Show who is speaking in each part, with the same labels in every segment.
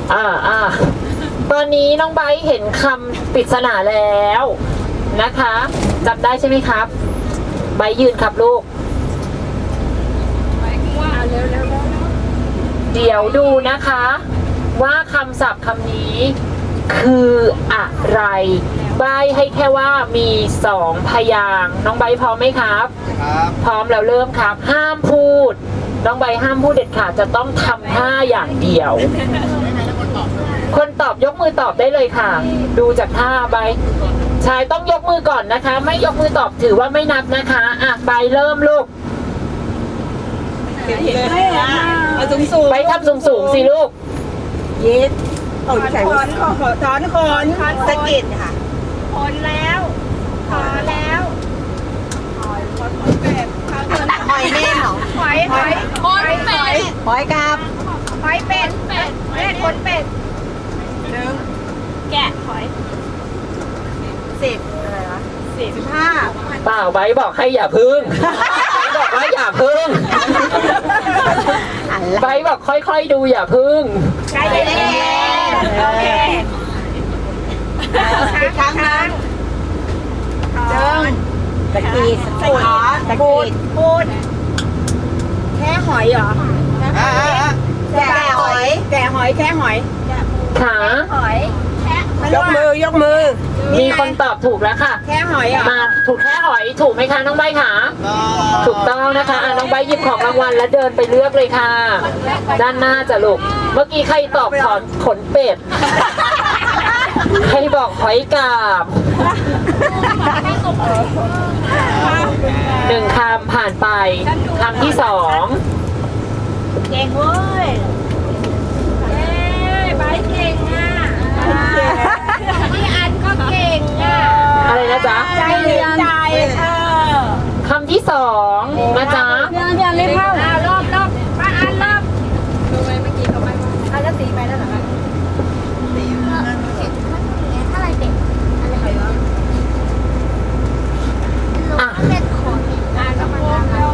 Speaker 1: ตอนนี้น้องไบร์ทเห็นคำปริศนาแล้วนะคะจำได้ใช่ไหมครับไบร์ทยืนครับลูกเดี๋ยวดูนะคะว่าคำศัพท์คำนี้คืออะไรใบ้ให้แค่ว่ามี2พยางค์น้องไบร์ทพร้อมไหมครับพร้อมแล้วเริ่มครับห้ามพูดน้องไบร์ทห้ามพูดเด็ดขาดจะต้องทำท่าอย่างเดียวคนตอบยกมือตอบได้เลยค่ะดูจากท่าใบชายต้องยกมือก่อนนะคะไม่ยกมือตอบถือว่าไม่นับนะคะใบเริ่มลูกใบทำสูงสิลูก
Speaker 2: ยิดถอนสะกิดค่ะถอนแล้วหอยแม่หรอหอยเป็ดหอยกาบหอยเป็ดคนเป็ดแกะหอย10อะไรวะ15
Speaker 1: เปล่าไบบอกให้อย่าพึ่งบอกว่าอย่าพึ่งไบบอกค่อยๆดูอย่าพึ่ง
Speaker 2: ใจเย็นโอเคครั้งตะกีดปูดแค่หอยเหรอแค่หอยแค่หอย
Speaker 1: ขาย
Speaker 2: กมือ
Speaker 1: มีคนตอบถูกแล้วค่ะ
Speaker 2: แค่หอยอ่ะ
Speaker 1: มาถูกแค่หอยถูกไหมคะน้องใบขาถูกต้องนะคะน้องใบหยิบของรางวัลแล้วเดินไปเลือกเลยค่ะด้านหน้าจะลูกเมื่อกี้ใครตอบขนเป็ดใครบอกหอยกาบ1 คำผ่านไปคำที่2
Speaker 2: เก่งเว้ยใบเก่งอ่ะพี่อันก็เก่งอ่ะ
Speaker 1: อะไรนะจ๊ะ
Speaker 2: ใจ
Speaker 1: คำที่2นะจ๊ะ
Speaker 2: พี่อันเล่นเข้ารอบป้าอันรอบดูไหมเมื่อกี้เขาไปว่าแล้วตีไปแล้วเหรอตีอะไรเป็ดอะไรเป็ดขนก็มา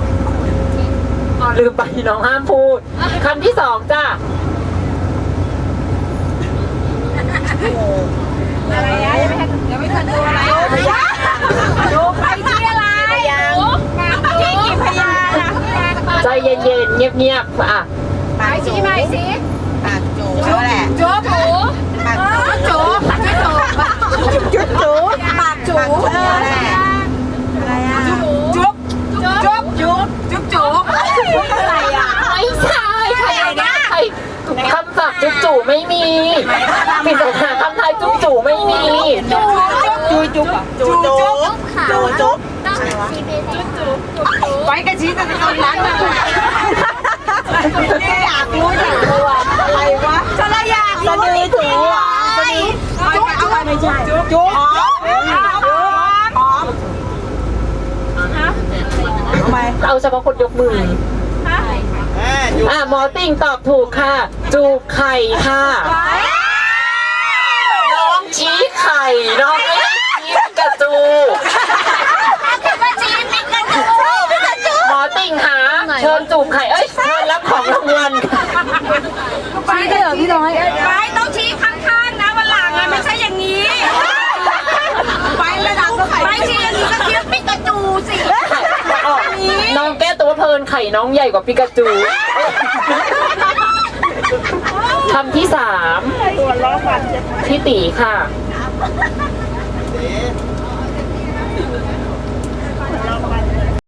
Speaker 1: ลืมไปน้องห้ามพูดคำที่2จ้ะ
Speaker 2: อะไรนะยังไม่ทันดูอะไรดูไปที่อะไรที่กี่พยาน
Speaker 1: ใจเย็นๆเงียบๆ
Speaker 2: ไปชี้ไปสิปากจูแหละจูหมูปากจูจูปากจูอะไรอ่ะจุ๊บอะไรอ่ะ
Speaker 1: ไม่ใช่คำศัพท์จุ๊บจู่ไม่มีปิดสถานคำไทยจุ๊บจู่ไม่มี
Speaker 2: จุ๊บไปกันชี้จะทำร้านเลยอยากรู้อะไรวะฉันอยากรู้ถูกจุ๊บไม่ใช่จุ๊บ
Speaker 1: เอาเฉพาะคนยกมือหมอติ่งตอบถูกค่ะจูบไข่ค่ะน้องชี้ไข่น้องไม่ชี้กระจูหมอติ่งหาเชิญจูบไข่เชิญรับของรางวัล
Speaker 2: ชี้ได้เหรอพี่น้อยไปต้องชี้ข้างๆนะวันหลังไม่ใช่อย่างนี้ไประดับไปชี้อย่างนี้ก็เทียบปิกาจูสิ
Speaker 1: น้องแก้ตัวเพลินไข่น้องใหญ่กว่าปิกาจูคำที่3พี่ตีค่ะ